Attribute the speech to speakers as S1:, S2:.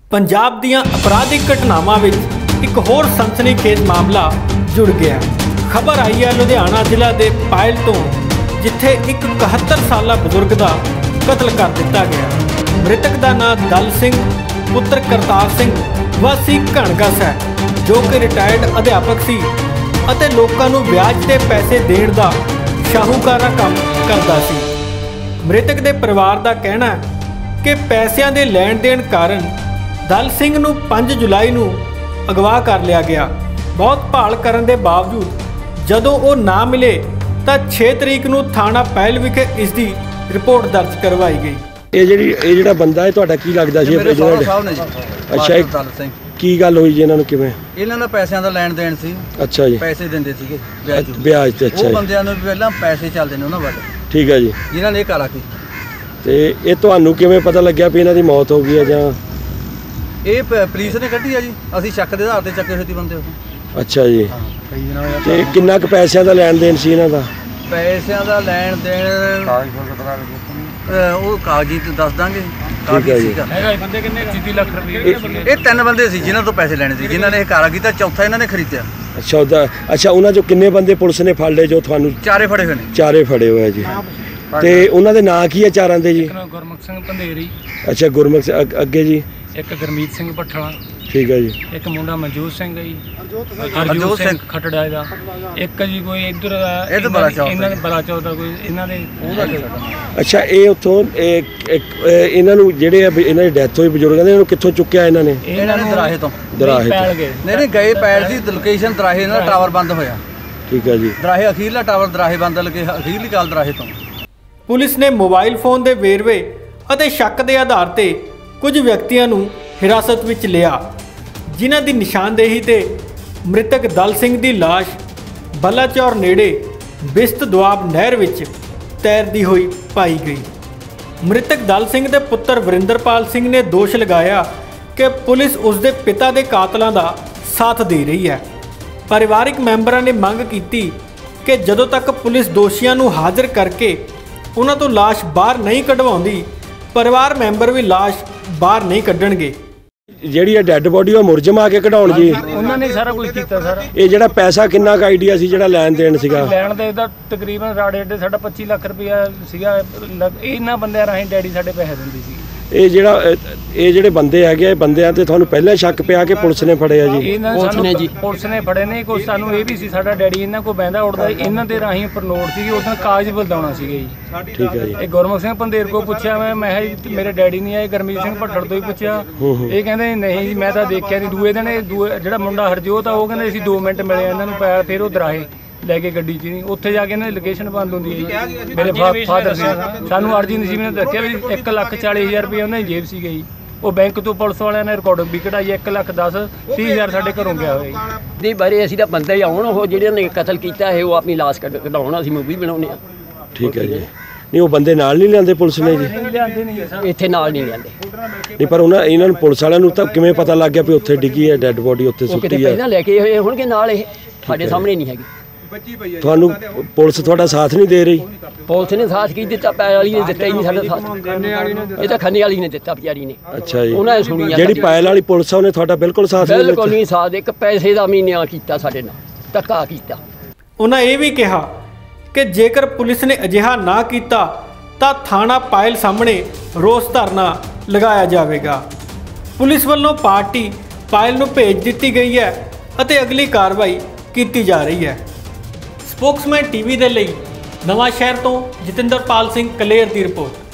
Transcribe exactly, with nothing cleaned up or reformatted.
S1: पंजाब दीआं अपराधिक घटनावां विच एक होर सनसनीखेज मामला जुड़ गया। खबर आई है लुधियाना जिला के पायल तो, जिथे एक इकहत्तर साला बजुर्ग का कतल कर दिता गया। मृतक का नाम दल सिंह पुत्र करतार सिंह वासी घणगस है, जो कि रिटायर्ड अध्यापक सी अते लोकां नूं ब्याज ते पैसे देण दा शाहूकारा काम करदा सी। मृतक के परिवार का कहना है कि पैसों के लैण देण कारण दल सिंह नूं पाँच जुलाई नूं अगवा कर लिया गया। बहुत भाल करन दे बावजूद जदों वो ना मिले तो छे तरीक नूं थाना पायल विखे इसकी रिपोर्ट दर्ज करवाई गई।
S2: ये ਜਿਹੜੀ ਇਹ ਜਿਹੜਾ ਬੰਦਾ ਹੈ ਤੁਹਾਡਾ ਕੀ ਲੱਗਦਾ ਸੀ?
S3: ਮੇਰੇ ਸਹੁਰਾ ਸਾਹਿਬ ਨੇ ਜੀ।
S2: ਅੱਛਾ,
S3: ਦਲ ਸਿੰਘ
S2: ਕੀ ਗੱਲ ਹੋਈ ਜੀ ਇਹਨਾਂ ਨੂੰ? ਕਿਵੇਂ?
S3: ਇਹਨਾਂ ਦਾ ਪੈਸਿਆਂ ਦਾ ਲੈਣ ਦੇਣ ਸੀ।
S2: ਅੱਛਾ ਜੀ,
S3: ਪੈਸੇ ਦਿੰਦੇ ਸੀਗੇ ਵਿਆਜ
S2: ਵਿਆਜ ਤੇ। ਅੱਛਾ,
S3: ਉਹ ਬੰਦਿਆਂ ਨੂੰ ਪਹਿਲਾਂ ਪੈਸੇ ਚੱਲਦੇ ਨੇ ਉਹਨਾਂ ਵੱਲ।
S2: ਠੀਕ ਹੈ ਜੀ।
S3: ਜਿਨ੍ਹਾਂ ਨੇ ਇਹ ਕਾਲਾ ਕੀ
S2: ਤੇ ਇਹ ਤੁਹਾਨੂੰ ਕਿਵੇਂ ਪਤਾ ਲੱਗਿਆ ਵੀ ਇਹਨਾਂ ਦੀ ਮੌਤ ਹੋ ਗਈ ਹੈ? ਜਾਂ
S3: ਇਹ ਪੁਲਿਸ ਨੇ ਕੱਢੀ ਆ ਜੀ, ਅਸੀਂ ਸ਼ੱਕ ਦੇ ਆਧਾਰ ਤੇ ਚੱਕੇ ਹੋਏ ਸੀ ਬੰਦੇ ਉਹ।
S2: ਅੱਛਾ ਜੀ, ਤੇ ਕਿੰਨਾ ਕੁ ਪੈਸਿਆਂ ਦਾ ਲੈਣ ਦੇਣ ਸੀ ਇਹਨਾਂ ਦਾ?
S3: ਪੈਸਿਆਂ ਦਾ ਲੈਣ ਦੇਣ ਉਹ ਕਾਗਜ਼ੀ ਤੇ ਦੱਸ ਦਾਂਗੇ।
S4: ਬੰਦੇ ਕਿੰਨੇ ਤੀਹ ਲੱਖ ਰੁਪਏ?
S3: ਇਹ ਤਿੰਨ ਬੰਦੇ ਸੀ ਜਿਨ੍ਹਾਂ ਤੋਂ ਪੈਸੇ ਲੈਣੇ ਸੀ, ਜਿਨ੍ਹਾਂ ਨੇ ਇਹ ਕਾਲਾ ਕੀਤਾ। ਚੌਥਾ ਇਹਨਾਂ ਨੇ ਖਰੀਦਿਆ।
S2: ਅੱਛਾ, ਉਹਦਾ ਅੱਛਾ, ਉਹਨਾਂ ਚੋਂ ਕਿੰਨੇ ਬੰਦੇ ਪੁਲਿਸ ਨੇ ਫੜ ਲਏ ਜੋ ਤੁਹਾਨੂੰ?
S3: ਚਾਰੇ ਫੜੇ ਹੋਏ ਨੇ।
S2: ਚਾਰੇ ਫੜੇ ਹੋਏ ਜੀ। ਤੇ ਉਹਨਾਂ ਦੇ ਨਾਂ ਕੀ ਹੈ ਚਾਰਾਂ ਦੇ ਜੀ?
S4: ਗੁਰਮੁਖ ਸਿੰਘ ਪੰਧੇਰੀ।
S2: ਅੱਛਾ, ਗੁਰਮੁਖ ਸਿੰਘ। ਅੱਗੇ ਜੀ?
S4: ਇੱਕ ਗੁਰਮੀਤ ਸਿੰਘ ਭੱਠਲਾ।
S2: ਠੀਕ ਹੈ ਜੀ।
S4: ਇੱਕ ਮੁੰਡਾ ਮਨਜੋਤ ਸਿੰਘ ਹੈ ਜੀ, ਹਰਜੋਤ ਸਿੰਘ ਖਟੜਾ ਦਾ। ਇੱਕ ਜੀ ਕੋਈ ਇੱਧਰ
S3: ਇਹ ਤਾਂ ਬੜਾ ਚੌਥਾ
S4: ਇਹਨਾਂ ਦੇ ਬੜਾ ਚੌਥਾ ਕੋਈ ਇਹਨਾਂ ਦੇ ਉਹਦਾ।
S2: ਅੱਛਾ, ਇਹ ਉੱਥੋਂ ਇਹਨਾਂ ਨੂੰ ਜਿਹੜੇ ਇਹਨਾਂ ਦੀ ਡੈਥ ਹੋਈ ਬਜ਼ੁਰਗਾਂ ਦੇ, ਇਹਨੂੰ ਕਿੱਥੋਂ ਚੁੱਕਿਆ ਇਹਨਾਂ ਨੇ?
S3: ਇਹਨਾਂ ਨੇ ਦਰਾਹੇ ਤੋਂ।
S2: ਦਰਾਹੇ
S4: ਪੈਲ ਗਏ?
S3: ਨਹੀਂ ਨਹੀਂ, ਗਏ ਪੈਲ ਸੀ। ਲੋਕੇਸ਼ਨ ਦਰਾਹੇ ਨਾਲ ਟਾਵਰ ਬੰਦ ਹੋਇਆ।
S2: ਠੀਕ ਹੈ ਜੀ।
S3: ਦਰਾਹੇ ਅਖੀਰਲਾ ਟਾਵਰ ਦਰਾਹੇ ਬੰਦ ਲੱਗੇ, ਅਖੀਰਲੀ ਕਾਲ ਦਰਾਹੇ ਤੋਂ।
S1: पुलिस ने मोबाइल फोन के वेरवे और शक के आधार पर कुछ व्यक्तियों को हिरासत में लिया, जिन्हां की निशानदेही ते मृतक दल सिंह की लाश बलाचौर नेड़े बिस्त दुआब नहर विच तैरती हुई पाई गई। मृतक दल सिंह के पुत्र वरिंदरपाल सिंह ने दोष लगाया कि पुलिस उसके पिता के कातलों का साथ दे रही है। परिवारिक मैंबरों ने मंग की कि जदों तक पुलिस दोषियों को हाजिर करके उन्हां तो लाश बाहर नहीं कढवाउंदी, परिवार मैंबर भी लाश बाहर नहीं कढणगे।
S2: ਜਿਹੜੀ ਇਹ ਡੈੱਡ ਬੋਡੀ ਉਹ ਮੁਰਜਮ ਆ ਕੇ ਕਢਾਉਣ ਜੀ?
S4: ਉਹਨਾਂ ਨੇ ਸਾਰਾ ਕੁਝ ਕੀਤਾ ਸਰ।
S2: ਇਹ ਜਿਹੜਾ ਪੈਸਾ ਕਿੰਨਾ ਕੁ ਆਈਡੀਆ ਸੀ ਜਿਹੜਾ ਲੈਣ ਦੇਣ ਸੀਗਾ?
S4: ਲੈਣ ਦੇ ਦਾ ਤਕਰੀਬਨ ਰਾੜੇ ਡੇ ਸਾਡਾ ਪੱਚੀ ਲੱਖ ਰੁਪਇਆ ਸੀਗਾ। ਇਹਨਾਂ ਬੰਦਿਆਂ ਰਾਹੀਂ ਡੈਡੀ ਸਾਡੇ ਪੈਸੇ ਦਿੰਦੀ ਸੀ। ਇਹ
S2: ਜਿਹੜਾ ਇਹ ਜਿਹੜੇ ਬੰਦੇ ਹੈਗੇ ਆ, ਬੰਦਿਆਂ ਤੇ ਤੁਹਾਨੂੰ ਪਹਿਲਾਂ ਸ਼ੱਕ ਪਿਆ ਕਿ ਪੁਲਿਸ ਨੇ ਫੜਿਆ ਜੀ?
S4: ਪੁਲਿਸ ਨੇ ਜੀ ਪੁਲਿਸ ਨੇ ਫੜੇ ਨੇ। ਕੋਈ ਸਾਨੂੰ ਇਹ ਵੀ ਸੀ ਸਾਡਾ ਡੈਡੀ ਇਹਨਾਂ ਕੋਲ ਬਹਿੰਦਾ ਉੱਠਦਾ, ਇਹਨਾਂ ਦੇ ਰਾਹੀਂ ਉੱਪਰ ਨੋਟ ਸੀਗੇ, ਉਹਦਾ ਕਾਗਜ਼ ਬਲਦਾਉਣਾ ਸੀਗੇ ਜੀ।
S2: ਠੀਕ ਹੈ ਜੀ।
S4: ਇਹ ਗੁਰਮੁਖ ਸਿੰਘ ਪੰਧੇਰ ਕੋਲ ਪੁੱਛਿਆ ਮੈਂ ਮੈਂ ਕਿਹਾ ਮੇਰੇ ਡੈਡੀ ਨਹੀਂ ਆਏ। ਗੁਰਮੀਤ ਸਿੰਘ ਭੱਠੜ ਤੋਂ ਹੀ ਪੁੱਛਿਆ, ਇਹ ਕਹਿੰਦੇ ਨਹੀਂ ਜੀ ਮੈਂ ਤਾਂ ਦੇਖਿਆ ਨਹੀਂ। ਦੂਏ ਦਿਨ ਦੂਏ ਜਿਹੜਾ ਮੁੰਡਾ ਹਰਜੋਤ ਆ ਉਹ ਕਹਿੰਦੇ ਅਸੀਂ ਦੋ ਮਿੰਟ ਮਿਲੇ ਇਹਨਾਂ ਨੂੰ ਪੈਰ, ਫਿਰ ਉਹ ਦਰਾਹੇ ਲੈ ਕੇ ਗੱਡੀ 'ਚ ਨਹੀਂ, ਉੱਥੇ ਜਾ ਕੇ ਇਹਨਾਂ ਦੀ ਲੋਕੇਸ਼ਨ ਬੰਦ ਹੁੰਦੀ ਹੈ ਜੀ। ਮੇਰੇ ਫਾਦਰ ਨੇ ਸਾਨੂੰ ਅਰਜੀ ਨਸੀਬ ਨੇ ਦੱਸਿਆ ਵੀ ਇੱਕ ਲੱਖ ਚਾਲੀ ਹਜ਼ਾਰ ਰੁਪਏ ਉਹਨਾਂ ਦੀ ਜੇਬ ਸੀ ਗਈ। ਉਹ ਬੈਂਕ ਤੋਂ ਪੁਲਿਸ ਵਾਲਿਆਂ ਨੇ ਰਿਕਾਰਡਿੰਗ ਵੀ ਕਢਾਈ। ਇੱਕ ਲੱਖ ਦਸ ਤੀਹ ਹਜ਼ਾਰ ਸਾਡੇ ਘਰੋਂ ਗਿਆ ਹੋਇਆ ਜੀ।
S5: ਨਹੀਂ ਬਾਰੇ ਅਸੀਂ ਤਾਂ ਬੰਦੇ ਹੀ ਆਉਣ, ਉਹ ਜਿਹੜੇ ਨੇ ਕਤਲ ਕੀਤਾ ਹੈ ਉਹ ਆਪਣੀ ਲਾਸ਼ ਕਢਾਉਣ, ਅਸੀਂ ਮੂਵੀ ਬਣਾਉਂਦੇ ਹਾਂ।
S2: ਠੀਕ ਹੈ ਜੀ। ਨਹੀਂ, ਉਹ ਬੰਦੇ ਨਾਲ ਨਹੀਂ ਲਿਆਂਦੇ ਪੁਲਿਸ ਨੇ ਜੀ?
S5: ਇੱਥੇ ਨਾਲ ਨਹੀਂ ਲਿਆਂਦੇ।
S2: ਨਹੀਂ, ਪਰ ਉਹਨਾਂ ਇਹਨਾਂ ਨੂੰ ਪੁਲਿਸ ਵਾਲਿਆਂ ਨੂੰ ਤਾਂ ਕਿਵੇਂ ਪਤਾ ਲੱਗ ਗਿਆ ਵੀ ਉੱਥੇ ਡਿੱਗੀ ਹੈ ਡੈੱਡ ਬੋਡੀ, ਉੱਥੇ ਸੁੱਟੀ ਹੈ?
S5: ਪਹਿਲਾਂ ਲੈ ਕੇ ਹੋਏ ਹੋਣਗੇ ਨਾਲ, ਇਹ ਸਾਡੇ ਸਾਹਮਣੇ ਨਹੀਂ ਹੈਗੀ।
S2: ਤੁਹਾਨੂੰ ਪੁਲਿਸ ਤੁਹਾਡਾ ਸਾਥ ਨਹੀਂ ਦੇ ਰਹੀ?
S5: ਪੁਲਿਸ ਨੇ ਸਾਥ ਕੀ ਦਿੱਤਾ? ਪੈਲ ਵਾਲੀ ਨੇ ਦਿੱਤਾ ਹੀ ਨਹੀਂ ਸਾਡਾ ਸਾਥ। ਇਹ ਤਾਂ ਖੰਨੇ ਵਾਲੀ ਨੇ ਦਿੱਤਾ ਵਿਚਾਰੀ ਨੇ।
S2: ਅੱਛਾ ਜੀ।
S5: ਉਹਨਾਂ ਨੇ ਸੁਣੀ
S2: ਜਿਹੜੀ ਪਾਇਲ ਵਾਲੀ ਪੁਲਿਸ ਆ ਉਹਨੇ ਤੁਹਾਡਾ ਬਿਲਕੁਲ ਸਾਥ ਨਹੀਂ ਦਿੱਤਾ?
S5: ਬਿਲਕੁਲ ਨਹੀਂ ਸਾਥ। ਇੱਕ ਪੈਸੇ ਦਾ ਵੀ ਨਿਆਂ ਕੀਤਾ ਸਾਡੇ ਨਾਲ, ਧੱਕਾ ਕੀਤਾ।
S1: ਉਹਨਾਂ ਇਹ ਵੀ ਕਿਹਾ ਕਿ ਜੇਕਰ ਪੁਲਿਸ ਨੇ ਅਜਿਹਾ ਨਾ ਕੀਤਾ ਤਾਂ ਥਾਣਾ ਪਾਇਲ ਸਾਹਮਣੇ ਰੋਸ ਧਰਨਾ ਲਗਾਇਆ ਜਾਵੇਗਾ। ਪੁਲਿਸ ਵੱਲੋਂ ਪਾਰਟੀ ਪਾਇਲ ਨੂੰ ਭੇਜ ਦਿੱਤੀ ਗਈ ਹੈ ਅਤੇ ਅਗਲੀ ਕਾਰਵਾਈ ਕੀਤੀ ਜਾ ਰਹੀ ਹੈ। ਸਪੋਕਸਮੈਨ ਟੀਵੀ ਦੇ ਲਈ ਨਵਾਂ ਸ਼ਹਿਰ ਤੋਂ ਜਤਿੰਦਰਪਾਲ ਸਿੰਘ ਕਲੇਰ ਦੀ ਰਿਪੋਰਟ।